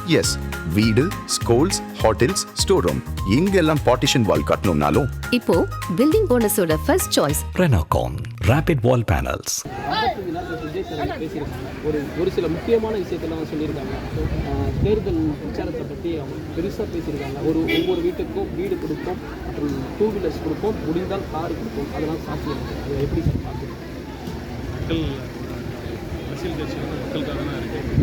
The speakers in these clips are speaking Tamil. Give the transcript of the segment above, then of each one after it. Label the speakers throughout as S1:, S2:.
S1: எஸ், வீடு, ஸ்கூல்ஸ், ஹோட்டல்ஸ், ஸ்டோர் ரூம் இங்கெல்லாம் பார்ட்டிஷன் வால் கட்டணும்னாலும்
S2: இப்போ பில்டிங் போனஸோட first choice
S3: Renocon Rapid Wall Panels.
S4: ஒரு சில முக்கியமான விஷயத்தெல்லாம் சொல்லியிருக்காங்க. தேர்தல் பிரச்சாரத்தை பற்றி அவங்க பெருசாக பேசியிருக்காங்க. ஒவ்வொரு வீட்டுக்கும் வீடு கொடுப்போம், மற்றும் 2 வீலர்ஸ் கொடுப்போம், முடிந்தால் கார் கொடுப்போம், அதெல்லாம் சாத்தியம். அதை எப்படி சார் பார்க்குறீங்க?
S5: மக்கள் அரசியல் கட்சி வந்து மக்களுக்காக தான் இருக்குது.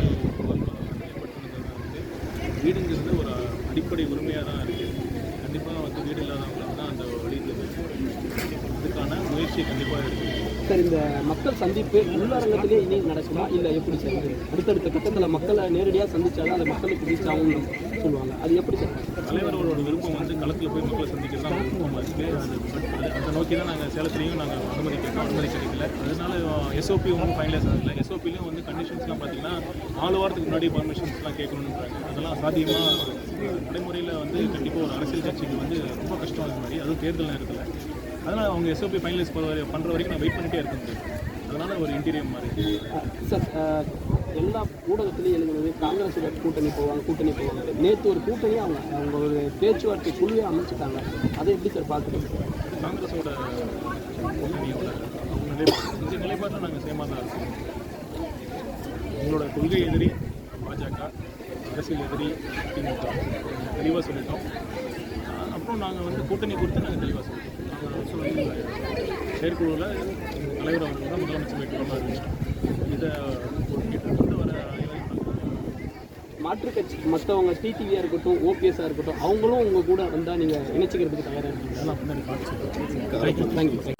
S5: வீடுங்கிறது ஒரு அடிப்படை உரிமையாக தான் இருக்குது. கண்டிப்பாக வந்து வீடு இல்லாதவங்களுக்கு தான் அந்த வழியில் அதுக்கான முயற்சி கண்டிப்பாக இருக்குது.
S4: சார், இந்த மக்கள் சந்திப்பு உள்ளரங்கத்திலே இனி நடக்குமா, இல்லை எப்படி சார்? அடுத்தடுத்த கட்டத்தில் மக்களை நேரடியாக சந்திச்சாலும் அந்த மக்களுக்கு ரீச் ஆகும்னு சொல்லுவாங்க. அது எப்படி சார்?
S5: தலைவரோட விருப்பம் வந்து களத்தில் போய் மக்களை சந்திக்கிறது தான் விருப்பமாக இருக்குது. அதை நோக்கி தான் நாங்கள் சேலத்துலேயும் நாங்கள் அனுமதி கிடைக்கல. அதனால எஸ்ஓபி ஒன்றும் ஃபைனலைஸ் ஆகலை. எஸ்ஓபிலையும் வந்து கண்டிஷன்ஸ்லாம் பார்த்தீங்கன்னா 4 வாரத்துக்கு முன்னாடி பர்மிஷன்ஸ்லாம் கேட்கணுன்றாங்க. அதெல்லாம் சாத்தியமாக நடைமுறையில் வந்து கண்டிப்பாக ஒரு அரசியல் கட்சிக்கு வந்து ரொம்ப கஷ்டம் அது மாதிரி, அதுவும் தேர்தல் நேரத்தில். அதனால் அவங்க எஸ்ஓபி ஃபைனலைஸ் பண்ணுற வரைக்கும் நான் வெயிட் பண்ணிகிட்டே இருக்கேன். அதனால் ஒரு இன்டீரியர் மாதிரி
S4: சார், எல்லா ஊடகத்திலையும் எழுதுனது காங்கிரஸோட கூட்டணி போவாங்க. நேற்று ஒரு கூட்டணியை அவங்க ஒரு பேச்சுவார்த்தை குழுவே அமைச்சிட்டாங்க. அதை எப்படி சார் பார்க்குறீங்க?
S5: காங்கிரஸோட கூட்டணியோட அவங்க நிலைப்பாட்டில் நாங்கள் சேமாக தான் இருக்கோம். எங்களோட கொள்கை எதிரி பாஜக, அரசியல் எதிரி திமுக தெளிவாக சொல்லிட்டோம். அப்புறம் நாங்கள் வந்து கூட்டணி குறித்து நாங்கள் தெளிவாக சொல்லிட்டோம். நாங்கள் செயற்குழுவில் தலைவர் அவர்கள் தான் முதலமைச்சர் வேட்பாளராக அறிவிச்சிட்டோம். இதை கொண்டு வர
S4: மாற்றுக் கட்சி மற்றவங்க டிடிவியாக இருக்கட்டும், ஓபிஎஸ்ஸாக இருக்கட்டும், அவங்களும் உங்கள் கூட வந்தால் நீங்கள் இணைச்சிக்கிறதுக்கு தயாராக இருக்கீங்க.
S5: அதெல்லாம் பின்னாடி பார்த்து சொல்லுங்கள்.
S4: தேங்க்யூ.